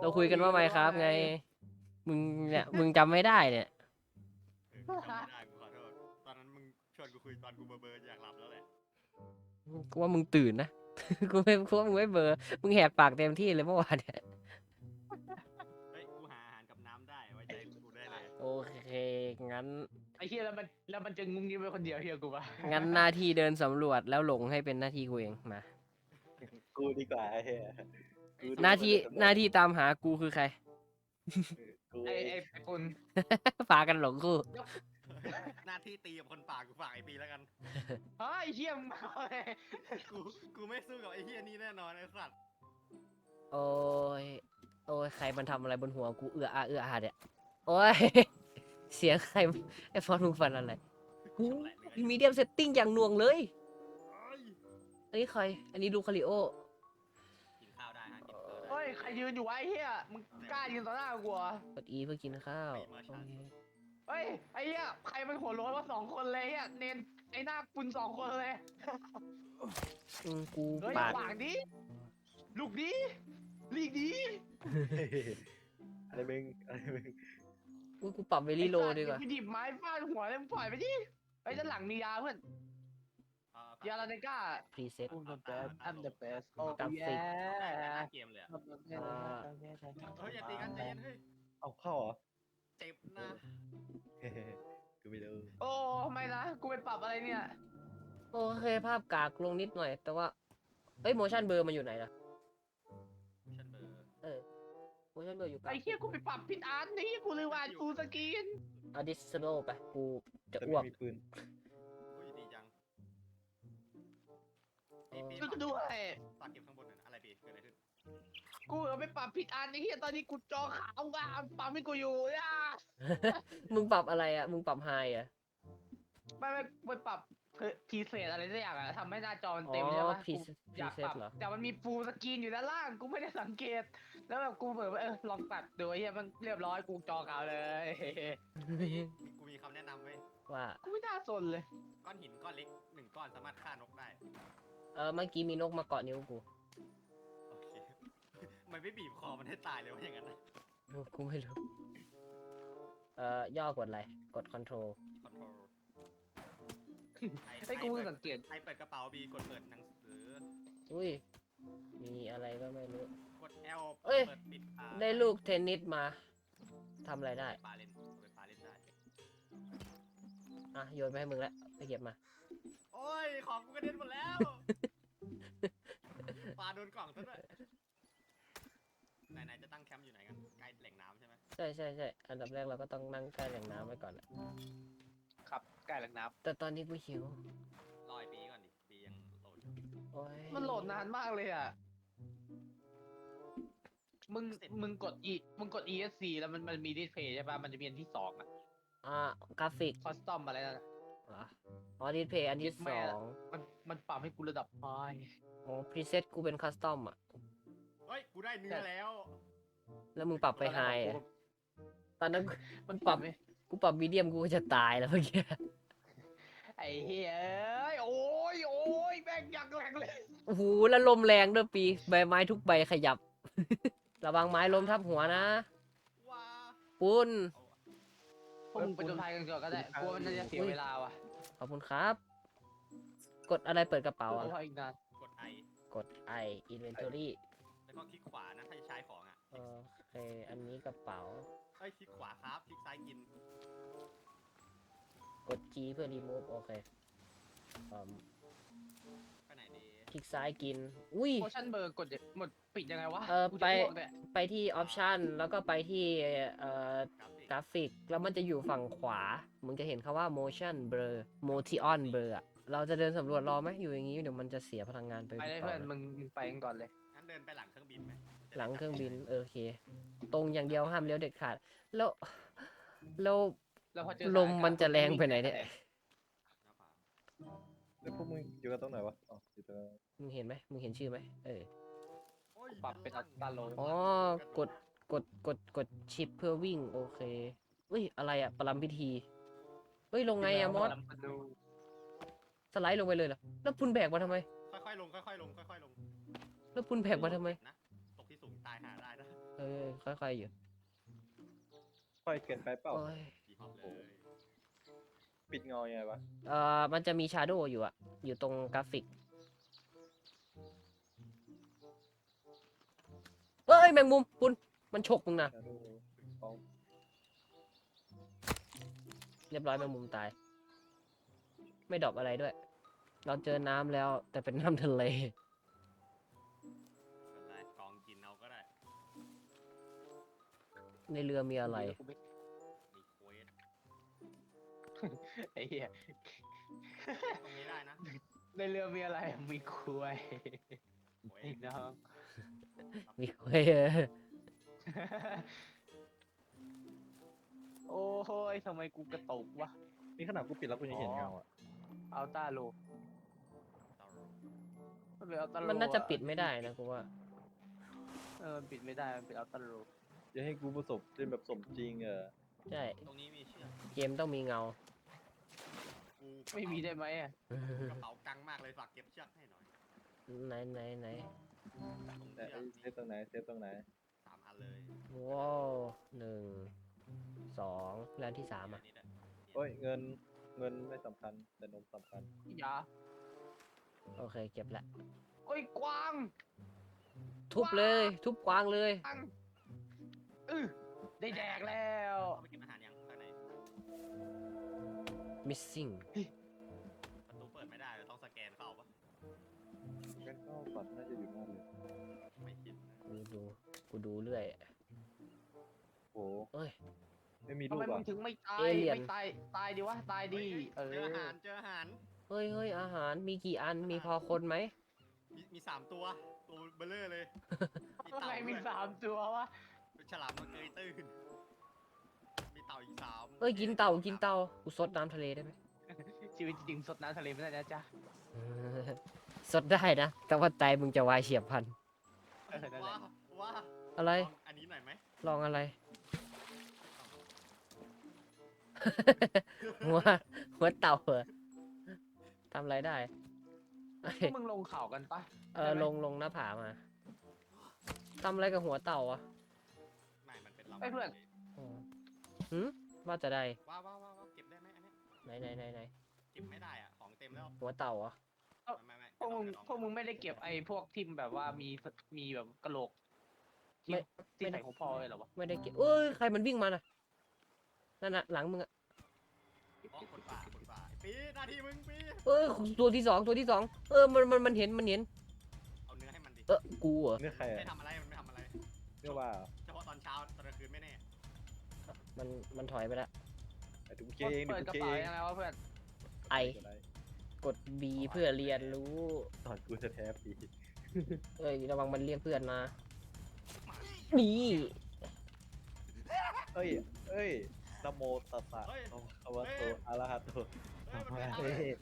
เราคุยกันว่าไมครับไงมึงเนี่ยมึงจำไม่ได้เนี่ยกูจำไม่ได้กูขอโทษตอนนั้นมึงชวนกูคุยตอนกูเบอร์อยากหลับแล้วแหละกูว่ามึงตื่นนะ กูว่ามึงไม่เบลอร์มึงแหกปากเต็มที่เลยเมื่อวานเนี่ยเฮ้ยกูหาอาหารกับน้ำได้ไว้ใจกูได้เลยโอเคงั้นไอ้เฮียแล้วมันจะงุ้งยิ้มไปคนเดียวเฮียกูปะงั้นหน้าที่เดินสำรวจแล้วหลงให้เป็นหน้าที่กูเองมากูดีกว่าไอ้เหี้ยกูหน้าที่ตามหากูคือใครกูไอ้ปุ่นพากันหลงกูหน้าที่ตีกับคนป่ากูฝากไอปีแล้วกันเฮ้ยเฮียมึงเอาเลยกูไม่สู้กับไอเฮียนี่แน่นอนไอสัตว์โอ้ยโอ้ยใครมันทำอะไรบนหัวกูเอื้ออาเนี่ยโอ้ย เสียงใครไอ้ฟอนมึงฟันอะไรหูมีเดียมเซตติ้งอย่างหน่วงเลยเอ้ยอันนี้ใคร อันนี้ลูคาริโอกินข้าวได้ฮะกินข้าวได้เฮ้ยใครยืนอยู่วะไอ้เฮียมึงกล้ายืนต่อหน้ากูเหรอกด E เพื่อกินข้าวโอเคเฮ้ยไอ้เฮียใครมันหัวโล้นว่า2 คนเลยเฮียเนนไอ้หน้าปุ่น2 คนเลยกูเฮ้ยปากขวางดิลูกดิลีกดิอะไรมึงอะไรมึงกูปรับเวลี่โลดีกว่าไปหยิบไม้ฟาดหัวเลยมึงปล่อยไปดิไอ้ด้านหลังมียาเพื่อน ยาลาเนก้าพรีเซ็ต I'm the best I'm the best oh กราฟิก yeah เกมเลยอะ I'm the best เฮ้ยอย่าตีกันใจเย็นเฮ้ยเอาเข้าเหรอเจ็บนะกูไม่รู้โอ้ทำไมนะกูไปปรับอะไรเนี่ยโอเคภาพกากลงนิดหน่อย แต่ว่า เอ้ย motion blur มันอยู่ไหนล่ะฉันเบอร์ motion blur อยู่กลาไอ้งเหี้ยกูไปปรับผิดอันนี่กูเลยว่ากูสกรีน additional ไป กูจะแต่อ้วกไม่มีปืนอุ้ยดีจังปีช่วยกูด้วยฝากเก็บข้างบนหน่อยนะอะไรปีเกิดอะไรขึ้นกูไปปรับผิดอันไอ้เหี้ยตอนนี้กูจอขาวว่าปรับให้กูอยู่อ่ะมึงปรับอะไรอ่ะ มึงปรับไฮอ่ะไปปรับพีเศษอะไรสักอย่างอะทำให้หน้าจอมันอ๋อเต็มใช่ปะพรีกูอยากเซ็ปตรับเหรอแต่มันมีฟูลสกรีนอยู่ด้านล่างกูไม่ได้สังเกต แล้วแบบกูเปิดว่าลองปรับดูไอ้เหี้ยมันเรียบร้อยกูจอขาวเลยกูมีคำแนะนำไว้ยว่ากูไม่น่าสนเลยก้อนหินก้อนเล็ก1 ก้อนสามารถฆ่านกได้เมื่อกี้มีนกมาเกาะนิ้วกูโอเค มันไม่บีบคอมันให้ตายเลยวะอย่างนั้นนะกูไม่รู้ ย่อกดอะไร กด control คอนโทรลไอ้กูสังเกตไอเปิดกระเป๋าบีกดเปิดหนังสืออุ้ย มีอะไรก็ไม่รู้กด L เอ้ยเปิดปิดได้ลูกเทนนิสมา ทำอะไรได้ปลาเล่นเปิดปลาเล่นได้อ่ะ โยนไปให้มึงแล้ว ไปเก็บมาโอ้ย ของกูกระเด็นหมดแล้ว ปลาโดนกล่องซะด้วยไหนๆจะตั้งแคมป์อยู่ไหนกัน ใกล้แหล่งน้ำใช่ไหมใช่อันดับแรกเราก็ต้องนั่งใกล้แหล่งน้ำไว้ก่อนอะครับใกล้หลังน้แต่ตอนนี้กูหิวรอยปีก่อนดิ ปียังโหลดอยู่โอ้ยำมันโหลดนานมากเลยอ่ะ มึงกด ESC แล้วมันมีดิสเพย์ใช่ป่ะ มันจะมีอันที่2อ่ะกราฟิกคอสตอมอะไรนั่นอะเหรออ๋อดิสเพย์อันที่ยึดแม่สองมันปรับให้กูระดับไฮอ๋อพรีเซ็ตกูเป็นคัสตอมอ่ะเฮ้ย กูได้เนื้อแล้วแล้วมึงปรับไปไฮอะตอนนั้นมันปรับไหมกูปรับมีเดียมกูก็จะตายแล้วเมื่อกี้ไอ้เฮ้ยเอ้ยโอ้ยแม่งยังแรงเลยโอ้โหแล้วลมแรงด้วยปีใบไม้ทุกใบขยับ ระวังไม้ล้มทับหัวนะว้าปุ้นพวกมึงไปจนภัยกันก่อนก็ได้กลัวมันจะเสียเวลาว่ะขอบคุณครับ กดอะไรเปิดกระเป๋าอ่ะเพราะอีกนานกด I กด I inventory แล้วก็คลิกขวานะ ถ้าจะใช้ของอ่ะโอเค อันนี้กระเป๋าเฮ้ย คลิกขวาครับ คลิกซ้ายกินกด G เพื่อ remove โอเคอืมไปไหนดีคลิกซ้ายกิน อุ้ยโมชั่นเบอร์กดหมดปิดยังไงวะกูจะอ้วกเนี่ยไปไปที่ option แล้วก็ไปที่กราฟิกกราฟิก แล้วมันจะอยู่ฝั่งขวา มึงจะเห็นคำว่า motion blur motion blur อะเราจะเดินสำรวจรอไหมอยู่อย่างนี้ เดี๋ยวมันจะเสียพลังงานไปเลยเปเพื่อล่าน ๆมึงไปกันก่อนเลยงั้นเดินไปหลังเครื่องบินไหมหลังเครื่องบินโอเค ตรงอย่างเดียวห้ามเลี้ยวเด็ดขาด แล้วแล้วพอเจอลมมันจะแรงไปไหนเนี่ยหน้าผาแล้วพวกมึงอยู่กันตรงไหนวะอ๋ออยู่ตรงมึงเห็นไหมมึงเห็นชื่อไหมโโอ้ยปรับเป็นอัตราโลอ๋อ กดชิปเพื่อวิ่ง โอเคเฮ้ย อะไรอะประลัมพิธี เฮ้ย ลงไงอะมอส สไลด์ลงไปเลยเหรอ แล้วพุนแบกมาทำไมค่อยๆลง ค่อยๆลง ค่อยๆลงแล้วพุนแบกมาทำไมนะ ตกที่สูงตายหาได้นะโอเคค่อยๆอยู่ค่อยเกินไปเปล่าโอ้ยดีพร้อมเลยปิดเงายังไงวะมันจะมีชาโดว์อยู่อะอยู่ตรงกราฟิกเอ้ยแมงมุมคุณมันฉกมึงนะ Shadow ของเรียบร้อยแมงมุมตาย ไม่ดรอปอะไรด้วย เราเจอน้ำแล้วแต่เป็นน้ำทะเลเป็นไรกองกินเอาก็ได้ในเรือมีอะไรมีเควสไอ้เหี้ยตรงนี้ได้นะในเรือมีอะไรมีคุยเควไอ้สน้องมีเว้ยโอ้ยทำไมกูกระตุกวะนี่ขนาดกูปิดแล้วกูยังเห็นเงาอ่ะอัลต้าโลเตามันเป็นอัลต้าโลมันน่าจะปิดไม่ได้นะกูว่ามันปิดไม่ได้มันเป็นอัลต้าโลจะให้กูประสบเล่นแบบสมจริงใช่ตรงนี้มีเชือกเกมต้องมีเงากูไม่มีได้ไหมอ่ะกระเป๋ากังมากเลยฝากเก็บเชือกให้หน่อยไหนตรงแต่เชือกเซตตรงไหนเซตตรงไหน 3 อันเลยว้าว1 2แล้วที่3อ่ะนี่แหละโอ้ยเงินไม่สำคัญแต่นมสำคัญอยาโอเคเก็บละโอ้ยกวางทุบเลย ทุบกวางเลยกวางได้แดกแล้วเอาไปเก็บอาหารยังข้างใน missing ประตูเปิดไม่ได้เราต้องสแกนเข้าปะงั้นก็ฝันน่าจะอยู่หน้าเลยไม่คิดนะกูดูเรื่อยโอ้เอ้ยไม่มีทำลูกไมมึอ่ะงถึงไม่ตายเอเลี่ยนไม่ตายดิวะตายดิเอเจออาหารอเจออาหารเฮ้ยอาหารมีกี่อันมีพอคนไหมมี3 ตัวเบลเลอร์เลยทำไมมี 3 ตัววะเป็นฉลามมันเกยตื้นมีเต่าอีก3 เอ้ยกินเต่ากูซดน้ำทะเลได้ไหมชีวิตจริงสดน้ำทะเลไม่ได้นะจ๊ะสดได้นะ แต่ว่าไตมึงจะวายเฉียบพลันนั่นแหว้าละว้าอะไรลองอันนี้หน่อยไหมลองอะไร หัวเต่าเหรอทำอะไรได้เอ้ยพวกมึงลงเขากันปะลงหน้าผามาทำอะไรกับหัวเต่าอ่ะไม่มันเป็นลำไอ้เพื่อนอ๋อหืมว่าจะได้ว้าวเก็บได้ไหมอันเนี้ยไหนเก็บไม่ได้อ่ะของเต็มแล้วหัวเต่าเหรอ่ะไม่พวกมึงกระดองพวกมึงไม่ได้เก็บไอ้พวกที่แบบว่ามีแบบกระโหลกที่ไม่ที่ใส่ของพ่อเลยเหรอวะไม่ได้เก็บเอ้ยใครมันวิ่งมาน่ะนั่นน่ะหลังมึงอ่ะอ๋อคนป่าปีหน้าที่มึงปีเอ้ยตัวที่สองมันเห็นเอาเนื้อให้มันดิกูเหรอเนี่ยใครไม่อ่ะทำอะไรมันไม่ทำอะไรเนี่ยว่าเฉพาะตอนเช้าตอนกลางคืนไม่แน่มันถอยไปแล้วไอ้ดูเคเองเปิดดูกระเคเป๋าเองยังไงวะเพื่อนไออะไรกด B เพื่อเรียนรู้ตอนกูจะแท้ปีเอ้ยระวังมันเรียกเพื่อนมานี่เอ้ยนะโมตัสสะโอะคะวะโตอะระหะโตสัมมาเฮ้ย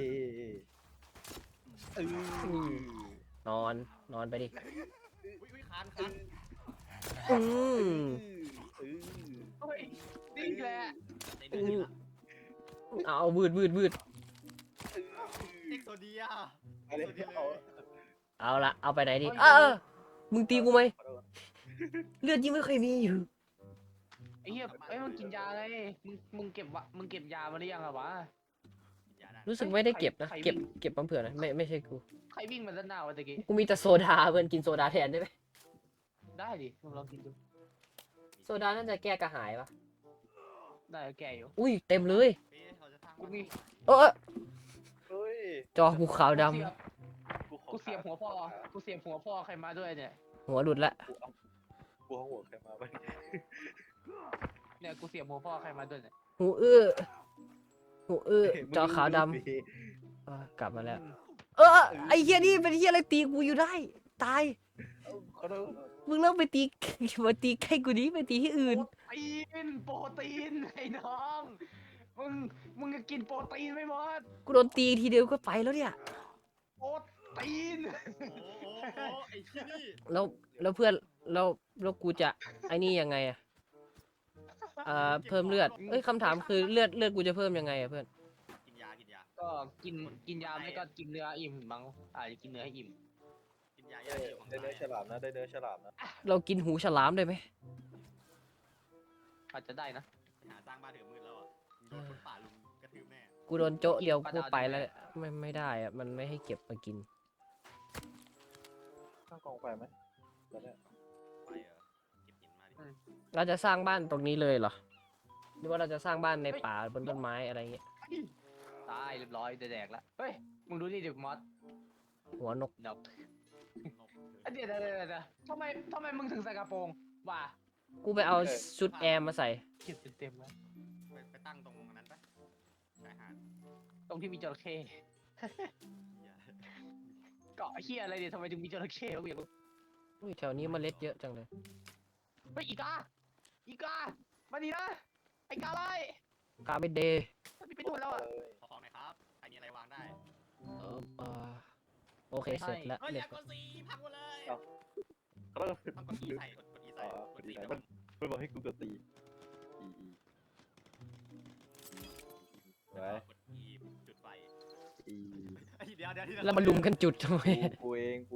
นอนไปดิอุ้ยคานอืมเออเฮ้ยนี่แหละในเนื้อละเอาวืดเอ็กโซเดียอะไรเอาเอาละเอาไปไหนดีมึงตีกูไหมเลือดยิ่งไม่เคยมีอยู่ไอ้เหี้ยไอ้ยมึงกินยาไงมึงเก็บยามาหรือยังอะวะอย่าได้รู้สึกไม่ได้เก็บนะใครเก็บมาเผื่อนะไม่ใช่กูใครวิ่งมาด้านหน้าวะตะกี้กูมีแต่โซดาเพื่อนกินโซดาแทนได้ไหมได้ดิมึงลองกินดูโซดาน่าจะแก้กระหายปะได้แก่อยู่อุ้ยเต็มเลยปีเราจะสร้างกูมีเออเฮ้ยจอกูขาวดกูเสียบหัวพ่อใครมาด้วยเนี่ยำหัวหลุดละกูเอาหัวใครมาไปเนี่ยกูเสียบหัวพ่อใครมาด้วยเนี่ยหูจอขาวดำกลับมาแล้ว ไอเฮียนี่เป็นเฮียอะไรตีกูอยู่ได้ ตายขอโทษมึงเลิกไปตี มาตีใกล้กูนี้ไปตีที่อื่นโปรตีนไอ้น้องมึงจะกินโปรตีนไหมมอสกูโดนตีทีเดียวก็ไปแล้วเนี่ยโปรตีนโอ้ไอ้ที่นี่แล้วเพื่อนแล้วกูจะไอ้นี่ยังไงอะเพิ่มเลือดเอ้ยคำถามคือเลือดกูจะเพิ่มยังไงอะเพื่อนกินยาก็กินยาไม่ก็กินเนื้ออิ่มมั้งอาจจะกินเนื้อให้อิ่มกินยาได้อยู่ข้างเนื้อฉในลามนะได้เนื้อฉลามนะเรากินหูฉลามได้ไหมอาจจะได้นะไปหาสร้างบ้านเถื่อนมืดแล้วอ่ะมึงโดนคนป่าลุมกระทืบแน่กูโดนโจ๊ะเดียวกูไปแล้วไม่ได้อะมันไม่ให้เก็บมากินข้างกองไฟไหมตอนเนี้ยไปเหรอเก็บหินมาดิเราจะสร้างบ้านตรงนี้เลยเหรอหรือว่าเราจะสร้างบ้านในป่าบนต้นไม้อะไรเงี้ยตายเรียบร้อยแดกแล้วเฮ้ยมึงดูนี่ดิมอสหัวนกนกนกเดี๋ยวทำไมมึงถึงใส่กระโปรงว่ากูไปเอาชุดแอร์มาใส่เก็บเต็มแล้วไปตั้งตรงนั้นปะชายหาดตรงที่มีจระเข้เหี้ยเกาะเฮียอะไรเนี่ยทำไมถึงมีจระเข้วะกูอยากรู้อุ้ยแถวนี้เมล็ดเยอะจังเลยเฮ้ยอีกามาดีนะไอ้กาไล่กาเบเดย์มันไปดูนแล้วอ่ะขอของหน่อยครับใครมีอะไรวางได้เออโอเคเสร็จแล้วเฮ้ยอเรียย่าบกดสีพังหมดเลยเขาต้องต้องกด E ใส่กด E ใส่อ๋อกดดีสีไหนแล้มัวนมันบอกให้กูกดตีไว้กด E จุดไฟอีเฮ้ยเดี๋ยวที่แล้วมาลุมกันจุดทำไมกูเอง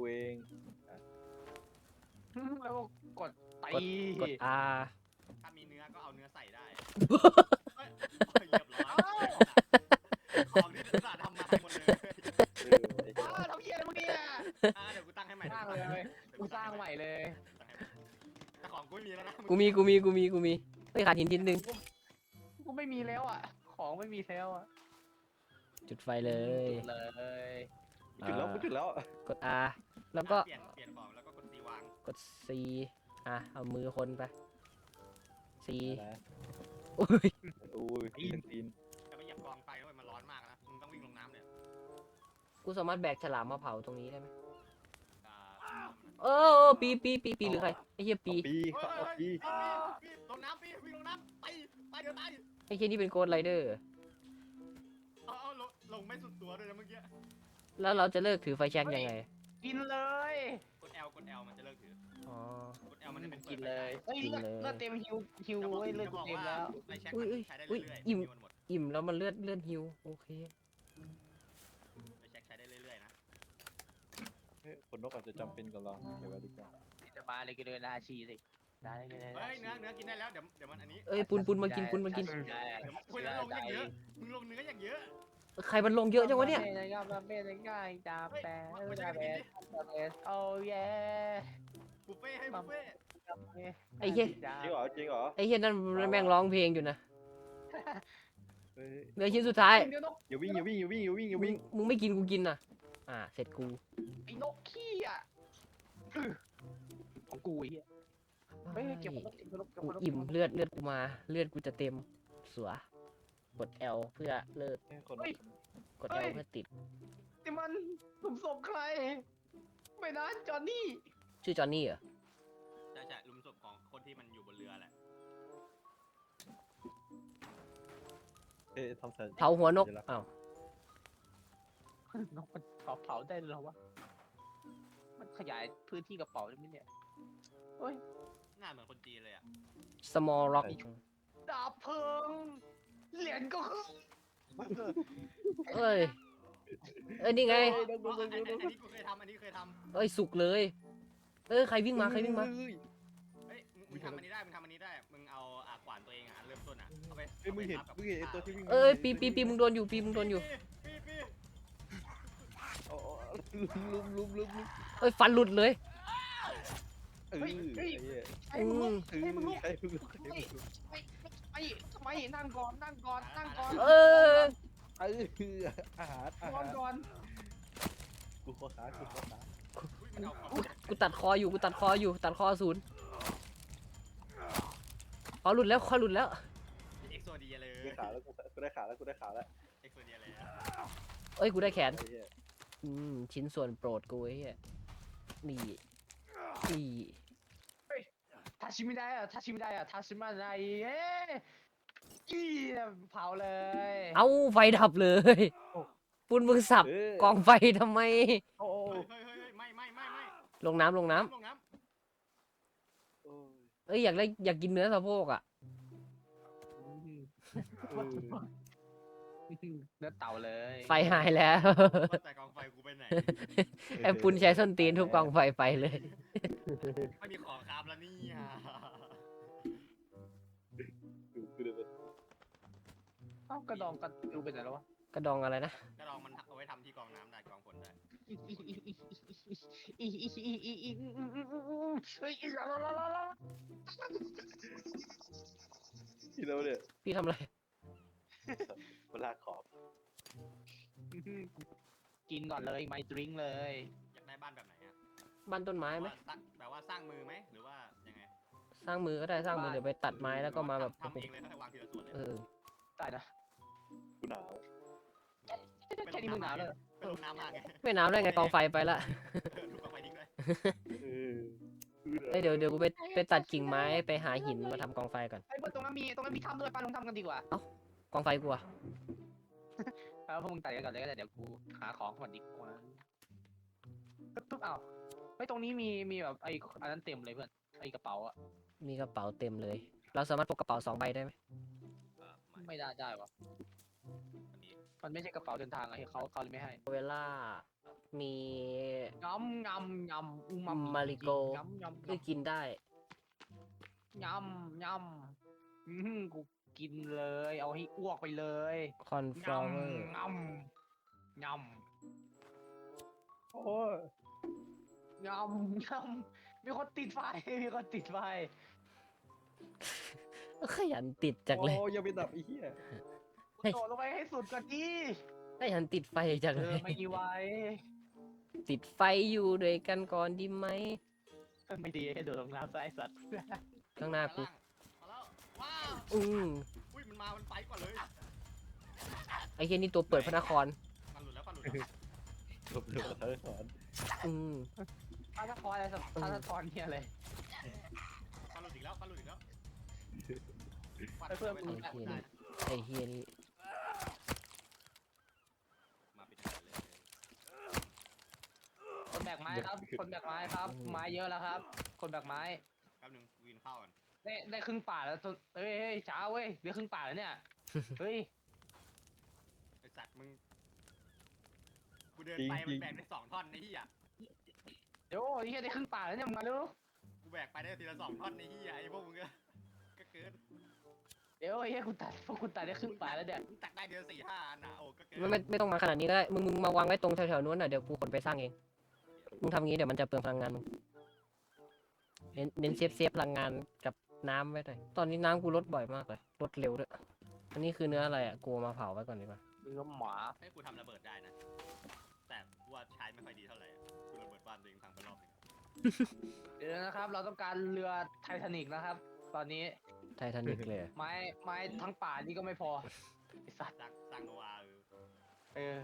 แล้วก็กดตีกด R ถ้ามีเนื้อก็เอาเนื้อใส่ได้เฮ้ยเรียบร้อยของที่อุตส่าห์ทำมาหมดเลยทำเฮียอะไรมึงเนี่ยเดี๋ยวกูตั้งให้ใหม่สร้างเลยกูสร้างใหม่เลยแต่ของกูไม่มีแล้วนะกูมีเฮ้ยขาดหินชิ้นหนึ่งกูไม่มีแล้วอ่ะของไม่มีแล้วอ่ะจุดไฟเลยจุดเลยจุดแล้วกด R แล้วก็เปลี่ยนของแล้วก็กด C วางกด C อ่ะเอามือคนไป C นะอุ้ยอุ้ยตีนจะไปเหยียบกองไฟด้วยมันร้อนมากนะมึงต้องวิ่งลงน้ำเนี่ยกูสามารถแบกฉลามมาเผาตรงนี้ได้ไหมอ่าเออปีหรือใครไอ้เหี้ยปีปีเอาปีลงน้ำปีวิ่งลงน้ำไปเดี๋ยวตายไอ้เหี้ยนี่เป็นโกดไรเดอร์เอาลงไม่สุดตัวด้วยนะเมื่อกี้แล้วเราจะเลิกถือไฟแช็กยังไงกินเลยกด L มันจะเลิกถืออ๋อกด L มันจะเป็นกินเลยเฮ้ยเลือดเต็มฮิวเว้ยเลือดกูเต็มแล้วไฟแช็กมันใช้ได้เรื่อยๆมันหมดอิ่มแล้วมันเลือดฮิวโอเคไฟแช็กใช้ได้เรื่อยๆนะคนนกอาจจะจำเป็นกับเราเดี๋ยวดีกว่าจะมาเลยกินเลยนาชีสิได้เลยเฮ้ยเนื้อกินได้แล้วเดี๋ยวมันอันนี้เอ้ยปุนมากินเดี๋ยวคุยแล้วลงอย่างเยอะมึงลงเนื้ออย่างเยอะใครมันลงเยอะจังวะเนี่ยเป็นง่ายจ้าแปะโอ้เย่บุฟเฟ่ให้บุฟเฟ่ไอ้เหี้ยจริงเหรอไอ้เหี้ยนั่นแม่งร้องเพลงอยู่นะเฮ้ยเหลือชิ้นสุดท้ายอย่าวิ่งมึงไม่กินกูกินน่ะเสร็จกูไอ้นกขี้อ่ะของกูไอ้เหี้ยเฮ้ยเก็บนกกูอิ่มเลือดกูมาเลือดกูจะเต็มสัวกด L เพื่อเลิกคนนกกด L เพื่อติดนี่มันหลุมศพใคร ไม่นะจอห์นนี่ชื่อจอห์นนี่เหรอใช่ลุมศพของคนที่มันอยู่บนเรือแหละทำเสร็จเผาหัวนกอ้าวนกมันเผาได้เหรอวะมันขยายพื้นที่กระเป๋าได้ไหมเนี่ยเฮ้ยหน้าเหมือนคนจีนเลยอ่ะ small rock ดาบเพลิงเหรียญก็คือเอ้ยนี่ไงอันนี้กูเคยทำอันนี้เคยทำเอ้ยสุกเลย ใครวิ่งมาเฮ้ยมึงทำอันนี้ได้มึงเอาขวานตัวเองเริ่มต้นเอาไปมึงเห็นตัวที่วิ่งปีมึงโดนอยู่ปีลุมฟันหลุดเลยไอ้มึงไอ้มึงใครลุกไอ้ทำไมนั่งก่อนอาหารนอนก่อนกูขอขากูตัดคออยู่ตัดคอศูนย์คอหลุดแล้วเอ็กโซเดียเลยได้ขาแล้วกูได้ขาแล้วเอ็กโซเดียเลยเอ้ยกูได้แขนชิ้นส่วนโปรดกูไอ้เหี้ยนี่ทาชิมิได้อะทาชิมิมาไดเอ้ยเผาเลยเอาไฟดับเลยปุ้นมึงสับกองไฟทำไมโอ้เฮ้ยไม่ลงน้ำเอ้ยอยากกินเนื้อสะโพกอ่ะเนื้อเต่าเลยไฟหายแล้วแต่กองไฟกูไปไหนไอ้ปุ้นใช้ส้นตีนทุบกองไฟไปเลยไม่มีของครับแล้วนี่กระดองกันดูเป็นอะไรวะกระดองอะไรนะกระดองมันเอาไว้ทำที่กรองน้ำได้กรองฝนได้ที่เราเนี่ยพี่ทำอะไรเวลาขอบกินก่อนเลยไม่ดริงเลยอยากได้บ้านแบบไหนอะบ้านต้นไม้ไหมแบบว่าสร้างมือไหมหรือว่ายังไงสร้างมือก็ได้สร้างมือเดี๋ยวไปตัดไม้แล้วก็มาแบบทำเองเลยก็วางทีละส่วนเลยเออตายนะกูหนาวแค่นี้มึงหนาวเลยเป็นลมน้ำมากไงไม่หนาวได้ไงกองไฟไปละลูกกองไฟทิ้งด้วยเออเอ้ยเดี๋ยวกูไปตัดกิ่งไม้ไปหาหินมาทำกองไฟก่อนไอ้เพื่อนตรงนั้นมีถ้ำด้วยไปลงถ้ำกันดีกว่ากองไฟกูอะเอาพวกมึงตัดกันก่อนเลยก็ได้เดี๋ยวกูหาของก่อนดีกว่าปึ๊บเอาไอ้ตรงนี้มีแบบไอ้อันนั้นเต็มเลยเพื่อนไอ้กระเป๋าอะมีกระเป๋าเต็มเลย เราสามารถพกกระเป๋า2 ใบได้ไหมไม่ได้วะอันนี้มันไม่ใช่กระเป๋าเดินทางอะเขาเลยไม่ให้เวลามีงำอูมามิมาริโกงำคือกินได้กูกินเลยเอาให้อ้วกไปเลยคอนฟลอเวอร์งำโอ้ยมีคนติดไฟมีคนติดไฟขยันติดจังเลยโอ้ยยังไม่ดับไอ้เหี้ยเฮ้ยโดดลงไปให้สุดก่อนดิขยันติดไฟจังเลยไม่มีไว้ติดไฟอยู่ด้วยกันก่อนดีไหมไม่ดีให้โดดลงน้ำซะไอ้สัตว์ข้างหน้ากูมาแล้วว้าวอืมอุ้ยมันไปก่อนเลยไอ้เหี้ยนี่ตัวเปิดพระนครมันหลุดแล้วมันหลุดแล้วหลบเร็วเขาสอนอืมพาสปอร์ตอะไรสักพาสปอร์ตเนี่ยเลยมันหลุดอีกแล้วมันหลุดอีกแล้วเพื่อนมึงไอ้เหี้ยนี่มาปิดกันเลยคนแบกไม้ครับ คนแบกไม้ครับ ไม้เยอะแล้วครับ คนแบกไม้แป๊บนึงวินเข้าก่อนได้ครึ่งป่าแล้วเฮ้ยช้าเว้ยเหลือครึ่งป่าแล้วเนี่ย เฮ้ยไอสัตว์มึงกูเดินไปมันแบ่งได้2 ท่อนไอ้เหี้ยเดี๋ยวไอ้เหี้ยได้ครึ่งป่าแล้วเนี่ยมึงมาเร็วกูแบกไปได้ทีละ2 ท่อนไอ้เหี้ยไอ้พวกมึงก็เกินเดี๋ยวไอ้เหี้ยพวกคุณตัดได้ครึ่งป่าแล้วเนี่ยมึงตัดได้เดือน4-5 อันนะโอ้ก็เกินไม่ต้องมาขนาดนี้ก็ได้มึงมาวางไว้ตรงแถวๆนู้นน่ะเดี๋ยวกูขนไปสร้างเองมึงทำงี้เดี๋ยวมันจะเปลืองพลังงานมึงเน้นเซฟพลังงานกับน้ำไว้หน่อยตอนนี้น้ำกูลดบ่อยมากเลยลดเร็วด้วยอันนี้คือเนื้ออะไรอ่ะกูเอามาเผาไว้ก่อนดีกว่าเนื้อหมาให้กูทำระเบิดได้นะ แต่กูว่าใช้ไม่ค่อยดีเท่าไหร่อะกูระเบิดบ้านตัวเองพังไปรอบนึงเดี๋ยวนะครับ เราต้องการเรือไททานิกนะครับ ตอนนี้ไททานิกเลยอะไม้ทั้งป่านี่ก็ไม่พอไอสัตว์สร้างโนอาเออเออ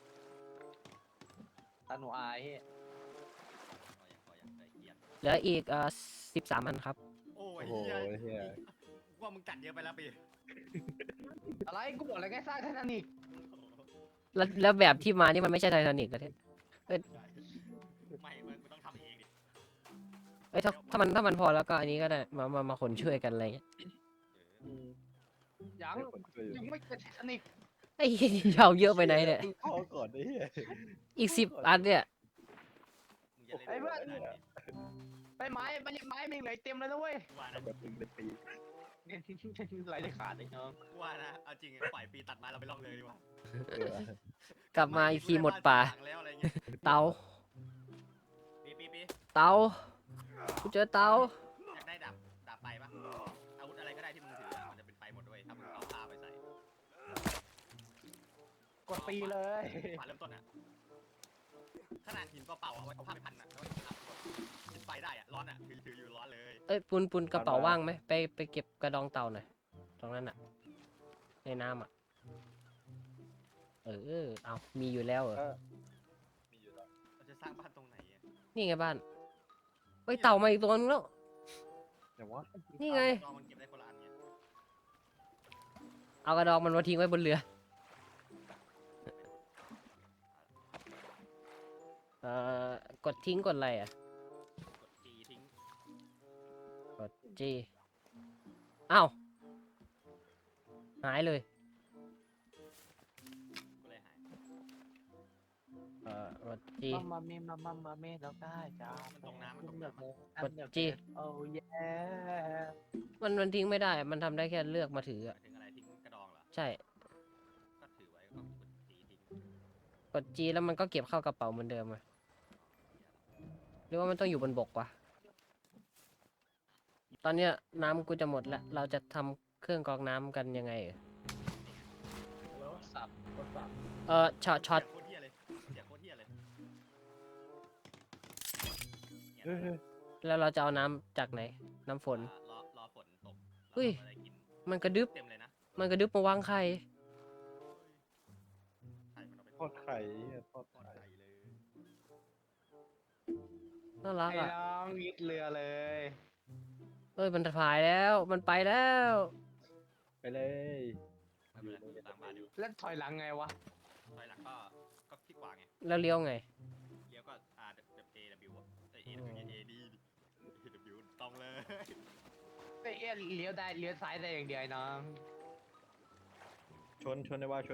ตาหนูอายเฮ้ยพออย่างใจเกียดเหลืออีก13 อันครับโอ้โอ้ยโหเหี้ยเหี้ยกูว่ามึงจัดเยอะไปแล้วปีอะไรกูบอกอะไรแค่สร้างไททานิกแล้วแบบที่มานี่มันไม่ใช่ไททานิกแล้วเนี่ยไม่มึงต้องทำเองดิเอ้ยถ้ามันพอแล้วก็อันนี้ก็ได้มาขนช่วยกันอะไรเงี้ยอืมยังให้คนช่วยอยู่ยังไม่เป็นไททานิกไอ้เหี้ยนี่เอาเยอะไปไหนเนี่ยมึงเข้าก่อนไอ้เหี้ยอีก10 อันเนี่ยมึงจะเล่นได้ดิไปไม้มันยังไม้มันยังเหลือเต็มเลยนะเว้ยกูว่านะแบบมึงเป็นปีไหลได้ขาดเลยน้องกูว่านะเอาจริงปล่อยปีตัดไม้เราไปลองเลยดีกว่าเออกลับมาอีกทีหมดป่าแล้วอะไรเงี้ยเตาปีเตากูเจอเตาอยากได้ดาบไฟปะอาวุธอะไรก็ได้ที่มึงถืออะมันจะเป็นไฟหมดด้วยถ้ามึงเอาผ้าไปใส่กดตีเลยขวานเริ่มต้นอะขนาดหินเปล่าๆเอาไว้เอาผ้าไปพันอะแล้วจุดไฟได้อะร้อนอะถืออยู่ร้อนเลยเอ้ยปุนกระเป๋าว่างไหมไปเก็บกระดองเต่าหน่อยตรงนั้นอ่ะในน้ำอ่ะเอามีอยู่แล้วเหรอมีอยู่แล้วเราจะสร้างบ้านตรงไหนอะนี่ไงบ้านเฮ้ยเต่ามาอีกตัวนึงแล้วอย่างว่านี่ไงลองมันเก็บได้คนละอันไงเอากระดองมันมาทิ้งไว้บนเรือกดทิ้งกดอะไรอ่ะกดจีทิ้งกดจีอ้าวหายเลยก็เลยหายกดจีมาเมเราได้จ้ามันตรงน้ำมันตรงเลืน้อกเลยกดจีโอ้ยมันทิ้งไม่ได้มันทำได้แค่เลือกมาถือำหอ่ะมายถึงอะไรทิ้งกระดองเหรอใช่กด G แล้วมันก็เก็บเข้ากระเป๋าเหมือนเดิมอะหรือว่ามันต้องอยู่บนบกวะตอนเนี้ยน้ำกูจะหมดแล้ว เราจะทำเครื่องกรองน้ำกันยังไงเอ่ยสับช็อตเสียงโคตรเหี้ยเลยเสียงโคตรเหี้ยเลยเฮ้ยแล้วเราจะเอาน้ำจากไหน น้ำฝนรอฝนตกเฮ้ยเราจะได้กินมันกระดึบเต็มเลยนะมันกระดึบมาวางไข่ไข่มันเอาไปทอดไข่เหี้ยทอดทอดไข่ไข่เลยน่ารักไอ้อ่ะน้องยึดเรือเลยเอ้ยมันพายแล้ว มันไปแล้วไปเลยไม่เป็นไรตามมาดูแล้วถอยหลังไงวะถอยหลังก็คลิกขวาไงแล้วเลี้ยวไงเลี้ยวก็ R A W อ่ะA W A D A W ตรงเลยไอ้เอี้ยเลี้ยวได้เลี้ยวซ้ายได้อย่างเดียวไอ้น้องชนได้ว่า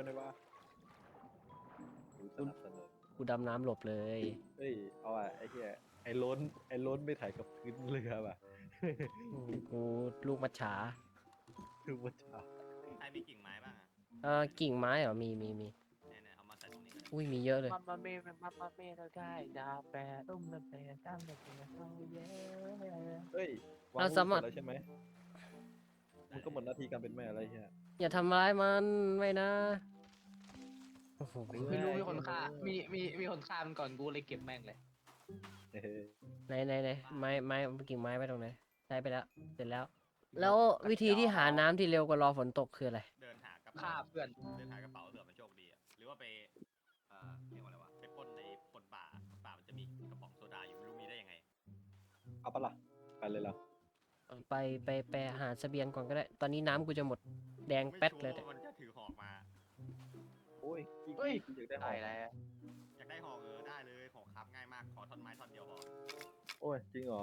สนับสนุนกูดำน้ำหลบเลยเฮ้ยเอาอ่ะไอ้เหี้ยไอ้ล้นไม่ถ่ายกับพื้นเรือป่ะกูลูกมัจฉาคือว่าจ้าใครมีกิ่งไม้บ้างอ่ะกิ่งไม้เหรอ มีเนี่ยเอามาใส่ตรงนี้ก็ได้อุ้ย มีเยอะเลยมาเมเราได้ดาวแปรตุ้มระเบิดตั้งแต่เช้าเย้เฮ้ยเราสามารถแล้วใช่ไหมมันก็หมดหน้าที่การเป็นแม่อะไรเงี้ยอย่าทำร้ายมันไม่นะ โอ้โหไม่รู้มีคนฆ่ามีคนฆ่ามันก่อนกูเลยเก็บแม่งเลยเฮ้ยไหนไม้กิ่งไม้ไปตรงไหนใช้ไปแล้ว เสร็จแล้ว แล้ววิธีที่หาน้ำที่เร็วกว่ารอฝนตกคืออะไรเดินหากระฆ่าเป๋าเพื่อนเดินหากระเป๋าเผื่อมันโชคดีอ่ะ หรือว่าไปเรียกว่าอะไรวะ ไปปล้นในปล้นป่ามันจะมีกระป๋องโซดาอยู่ไม่รู้มีได้ยังไงเอาปะล่ะไปเลยล่ะไปหาเสบียงก่อนก็ได้ ตอนนี้น้ำกูจะหมดแดงแป๊ดเลยไม่เนี่ยชัวร์ว่ามันจะถือหอกมาโอ้ยเฮ้ยอยากได้หอได้มแล้วอยากได้หอกได้เลยหอกครับง่ายมาก ขอท่อนไม้ท่อนเดียวพอโอ้ยจริงเหรอ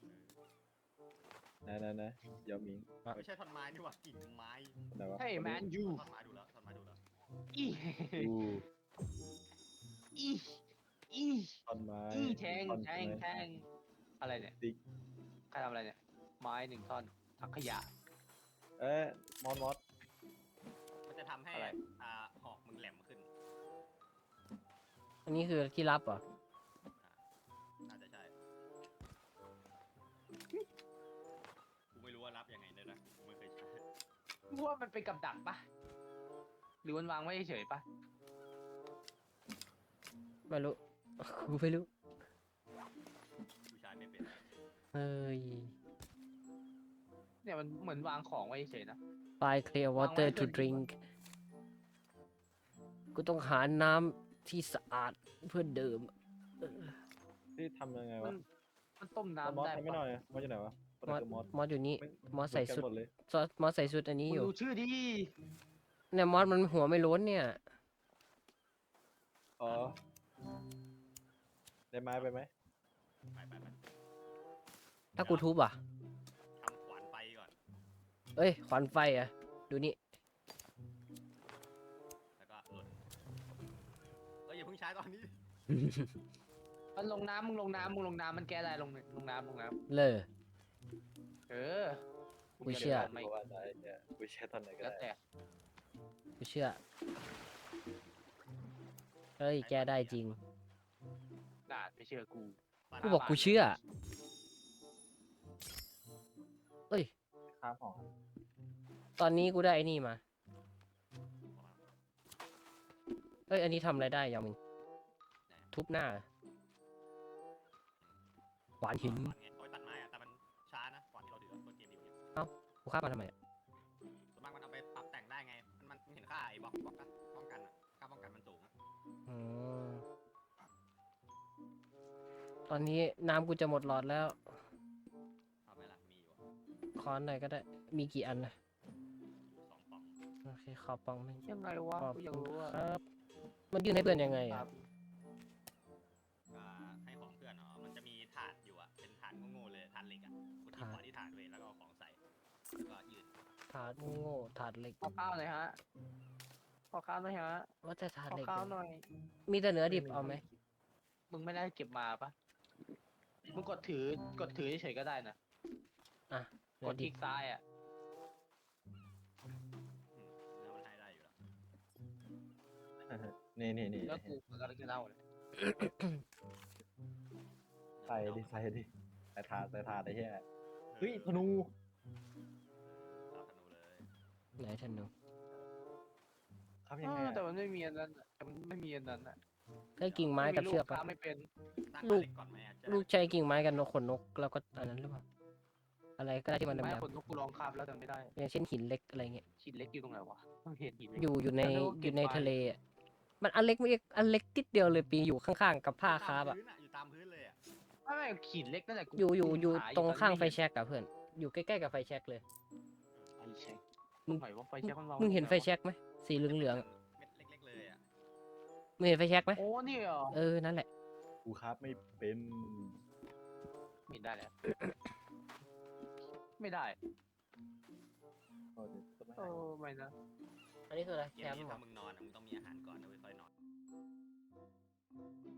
ไหนเดี๋ยวมิงไม่ใช่ท่อนไม้นี่หว่ากิ่งไม้ไหนวะเฮ้ยแมนยูท่อนไม้ดูแล้วท่อนไม้ดูแล้วอีดูอีอีท่อนไม้อีแทงท่อนแทงไม้แทงอะไรเนี่ยติ๊กใครทำอะไรเนี่ยไม้1 ท่อนถังขยะเอ๊ะมอสมันจะทำให้อะไรหอกมึงแหลมขึ้นอันนี้คือที่รับเหรอน่าจะใช่ กูไม่รู้ว่ารับยังไงเลยนะกูไม่เคยใช้กูว่ามันเป็นกับดักปะหรือมันวางไว้เฉยๆปะไม่รู้ กูไม่รู้กูใช้ไม่เป็นเฮ้ยเนี่ยมันเหมือนวางของไว้เฉยๆนะ Find clear water วางไว้ to เพื่อน drink กูต้องหาน้ำที่สะอาดเพื่อดื่มที่ทำยังไงมัวะนมันต้มมอสน้ำได้ทำไม่หปะน่อยมอสอยู่ไหนวะมอสคือมอสมอสอยู่นี่ มอสใส่เหนสุดกันหมดเลยมอสใส่สุดอันนี้มึงอยู่ดูชื่อดิเนี่ยมอสมันหัวไม่โล้นเนี่ยอ๋อได้ไม้ไปไหมไปถ้ากูทุบอ่ะทำขวานไฟก่อนเอ้ย ขวานไฟอ่ะ ดูนี่แล้วก็หล่นอย่าเพิ่งใช้ตอนนี้มันลงน้ำมึงลงน้ำมันแก้ได้ลงน้ำเลยเออกูเชื่อไม่เพราะว่าได้เนี่ยกูแช่ตอนไหนก็แล้วได้แต่กูเชื่อ เฮ้ย แกได้จริงน่าไม่เชื่อกูกูบอกกูเชื่อ เอ้ยข้ามหอตอนนี้กูได้ไอ้นี่มา เอ้ย อันนี้ทำอะไรได้ยังมึง ทุบหน้า ขวานหินขวานไงเอาไว้ตัดไม้อะแต่มันช้านะกว่าที่เราเดือดต้นเกมดีกว่ากูฆ่ามันทำไมอะส่วนมากมันเอาไปปรับแต่งได้ไง มันเห็นค่าไอ้บล็อกนะป้องกันอะค่าป้องกันมันสูงอะอืมตอนนี้น้ำกูจะหมดหลอดแล้วเอาไหมล่ะมีอยู่อะค้อนหน่อยก็ได้ มีกี่อันนะอยู่2 ป่องโอเค ขอปองหนึงยังไงวะขอบกูอยากคุณรู้ว่าครับ มันยื่นให้เพื่อนยังไงคอ่ะรับให้ของเพื่อนเนาะมันจะมีถาดอยู่อะเป็นถาดโง่ๆเลยถาดเหล็กอะคุณที่ขวาที่ถาดเว้ยแล้วก็เอาของใส่แล้วก็ยืนถาดโง่ถาดเหล็กขอข้าวหน่อยฮะขอข้าวหน่อยฮะว่าแต่ถาดขอเหล็กข้าวหน่อยมีแต่เนื้อดิบเอาไหมมึงไม่ได้เก็บมาปะมึงกดถือเฉยๆก็ได้นะเนื้กอดคดิลิบกซ้ายอ่ะเนื้อมันให้ได้อยู่แล้วนี่แล้วกูกำลังจะเล่าเลยใส่ดิใส่ถาดไอ้เหี้ยเฮ้ยธนูเอาธนูเลยไหนธนูครับยังไงแต่มันไม่มีอันนั้นอะแต่มันไม่มีอันนั้นอะได้กิ่งไม้กับเชือกปะปะไม่เป็นตั้งลูกเล็กก่อนไหมอะลูกใช้กิ่งไม้กับนกขนนกแล้วก็อันนั้นหรือเปล่าอะไรก็ได้ที่มันไม่ดำคนนกกูลองคาบแล้วแต่ไม่ได้ๆอย่างเช่นหินเล็กอะไรเงี้ยหินเล็กอยู่ตรงไหนวะต้องเห็นหินเล็กอยู่ในแล้วก็อยู่ในเก็บไว้ทะเลอะมันอันเล็กไม่อันเล็กติดเดียวเลยปีอยู่ข้างๆกับผ้าคาบอะอยู่ตามพื้นเลยอะไม่หินเล็กนั่นแหละกูอยู่หตรงข้างไฟตอนนี้แช็กอะเพื่อนอยู่ใกล้ๆกับไฟแช็กเลยไฟแช็กมึงไหนว่าไฟแช็กมันวางมึงเห็นไฟแช็กไหมสีเหลืองๆอะเม็ดเล็กๆเลยอะมึงเห็นไฟแช็กไหมโอ้นี่เหรอเออนั่นแหละกูครับไม่เป็นไม่ได้แล้วไม่ได้โอ้ยจะไม่เอให้อไม่นะอันนี้คืออะไรเกแคมมป์นี้เหรถ้าอมึงนอนอะมึงต้องมีอาหารก่อนนะเว้ยค่อยนอน